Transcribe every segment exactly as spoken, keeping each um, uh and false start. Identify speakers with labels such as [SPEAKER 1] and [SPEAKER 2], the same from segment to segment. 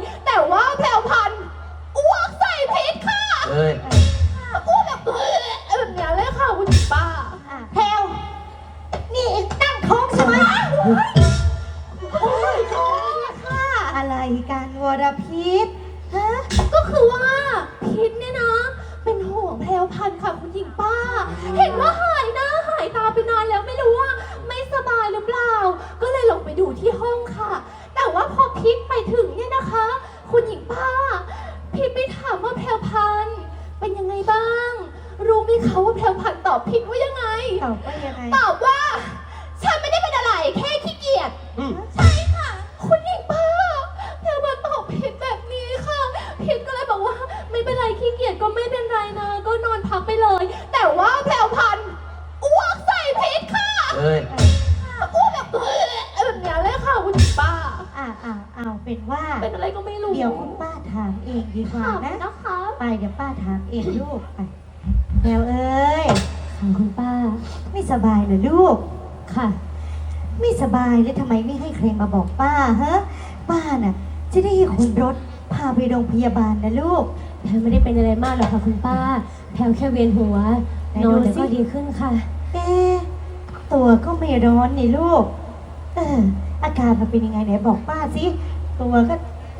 [SPEAKER 1] แต่ว่าแพรวพันธุ์อ้วกใส่พิษค่ะ
[SPEAKER 2] เอ้ย
[SPEAKER 1] อ้วกแบบแบบนี้เลยค่ะคุณป้า
[SPEAKER 3] แพรวนี่ตั้งท้องใช่ไหมโอ้ยค่ะอะไรกันวรพิษฮะ
[SPEAKER 1] ก็คือว่าพิษเนี่ยนะเป็นห่วงแพรวพันธุ์ค่ะคุณหญิงป้าเห็นว่าหายหน้าหายตาไปนานแล้วไม่รู้ว่าไม่สบายหรือเปล่าก็เลยลงไปดูที่ห้องค่ะแต่ว่าพอพิษไปถึงเนี่ยนะคะคุณหญิงป้าพิษไปถามว่าแพรวพันธุ์เป็นยังไงบ้างรู้ไหมคะว่าแพรวพันธุ์ตอบพิษว่ายังไง
[SPEAKER 3] ตอบว่ายังไง
[SPEAKER 1] ตอบว่าฉันไม่ได้เป็นอะไรแค่ขี้เกียจใช่ค่ะคุณหญิงป้าแพรวพันธุ์ตอบพิษแบบนี้ค่ะพิษก็เลยบอกว่าไม่เป็นไรขี้เกียจก็ไม่เป็นไรนะก็นอนพักไปเลยแต่ว่าแพรวพันธุ์อ้วกใส่พิษค่ะ
[SPEAKER 2] เอ้ย
[SPEAKER 1] อ้วกแบบแบบนี้เลยค่ะคุณหญิงป้า
[SPEAKER 3] อ่าอ่าเอาเป็นว่า
[SPEAKER 1] เป็นอะไรก็ไม่รู้
[SPEAKER 3] เดี๋ยวคุณป้าถามเองดีกว่านะ
[SPEAKER 1] นะคะ
[SPEAKER 3] ไปเดี๋ยวป้าถามเองลูกไปแพรวเอ้ย
[SPEAKER 1] ค่ะคุณป้า
[SPEAKER 3] ไม่สบายเหรอลูก
[SPEAKER 1] ค่ะ
[SPEAKER 3] ไม่สบายแล้วทำไมไม่ให้ใครมาบอกป้าฮะป้าน่ะจะได้ให้คนรถพาไปโรงพยาบาลนะลูก
[SPEAKER 1] แพรไม่ได้เป็นอะไรมากหรอกค่ะคุณป้าแพรแค่เวียนหัวนอนแล้วก็ดีขึ้นค่ะ
[SPEAKER 3] เอ๊ะตัวก็ไม่ร้อนนี่ลูกเอออาการมันเป็นยังไงไหนบอกป้าสิตัวก็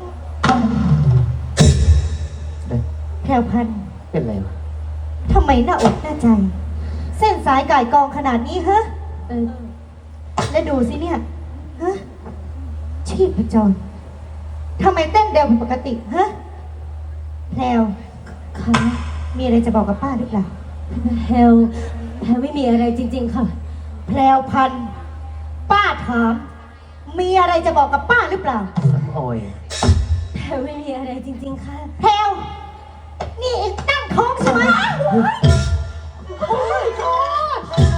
[SPEAKER 3] แพรวพันธุ์
[SPEAKER 2] เป็นไรวะ
[SPEAKER 3] ทำไมหน้าอกหน้าใจเส้นสายก่ายกองขนาดนี้ฮะ
[SPEAKER 1] เออ
[SPEAKER 3] แล้วดูสิเนี่ยฮะชีพจรทำไมเต้นเร็วผิดปกติฮะแพรว
[SPEAKER 1] ค่ะ
[SPEAKER 3] มีอะไรจะบอกกับป้าหรือเปล่า
[SPEAKER 1] แพรวแพรวไม่มีอะไรจริงๆค่ะ
[SPEAKER 3] แพรวพันธุ์ป้าถามมีอะไรจะบอกกับป้าหรือเปล่า
[SPEAKER 2] โอ้ย
[SPEAKER 1] แพรวไม่มีอะไรจริงๆค่ะ
[SPEAKER 3] แพรวนี่ตั้งท้องใช่ไหมโอ้ยโทษ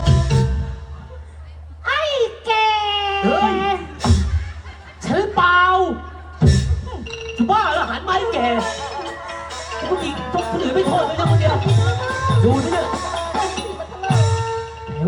[SPEAKER 3] ไอ้แก
[SPEAKER 2] เฮ้ยฉันเปล่าจะบ้าเหรอหันมาให้แกผู้หญิงทุกคนอื่นไม่โทษเลยนะคนเดียวดูสิเนี่ยเร็ว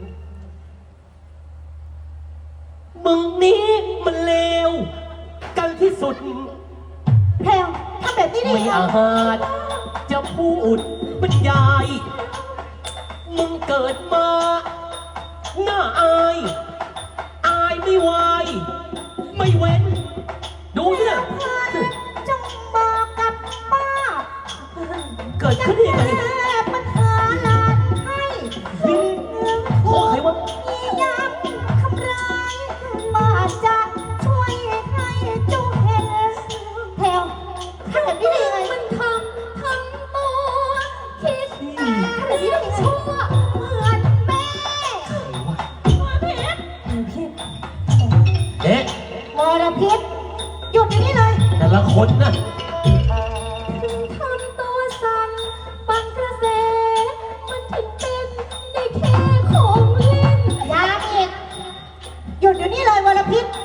[SPEAKER 2] มึงนี้มันเลวกันที่สุด
[SPEAKER 3] แพรวทำแบบนี้ได้
[SPEAKER 2] ไม่อาจจะพูดบรรยายมึงเกิดมาหน้าอายอายไม่ไหวไม่เว้นดูเนี่ย
[SPEAKER 3] จงบอกกับป้า
[SPEAKER 2] เกิดขึ้นได้ยังไง
[SPEAKER 3] ปัญหาลานให้
[SPEAKER 2] โอ้ใครวะ
[SPEAKER 3] ยามทำร้ายป้าจะช่วยให้เจ้าเห็นแพรวทำแบบนี้ได้ยังไง
[SPEAKER 1] มันทำทั้งตัวคิดแต่ทำแบบนี้ได้ยังไงชั่วเหมือนแม่วรพิษพิษ
[SPEAKER 2] เอ๊ะ
[SPEAKER 3] วรพิษหยุดอย่างนี้เลย
[SPEAKER 2] แต่ละคนนะ
[SPEAKER 1] ทำตัวสั่นปังกระแสมันถึงเป็นได้แค่ของเล่น
[SPEAKER 3] ยาอีกหยุดอยู่นี่เลยวรพิษ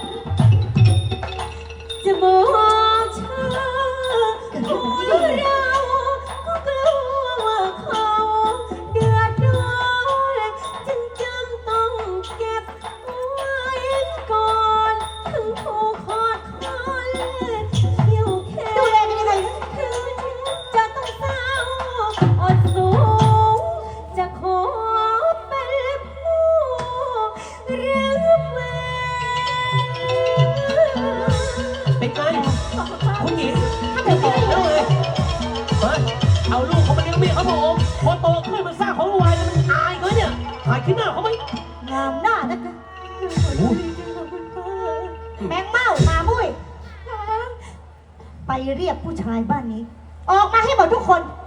[SPEAKER 1] จะบอกเธอว่าเราก็กลัวว่าเขาเดือดร้อนจึงจำต้องเก็บไว้ก่อนถึงถูกขอดคอนอยู่แค่
[SPEAKER 3] ดูแลกันยังไง
[SPEAKER 1] ถึงจะต้องเศร้าอดสูงจะขอเป็นผู้รับเวร
[SPEAKER 2] เป็นไงคุณหญิงไม่บอกเลยเฮ้ยเอาลูกเขามาเลี้ยงเมียเขาบอกพอโตขึ้นมันสร้างของวายมันอายเขาเนี่ยถ่ายคลิปหน้าเขาไหม
[SPEAKER 3] งามหน้านักนะแมงเม่ามาบุ้ยไปเรียกผู้ชายบ้านนี้ออกมาให้หมดทุกคน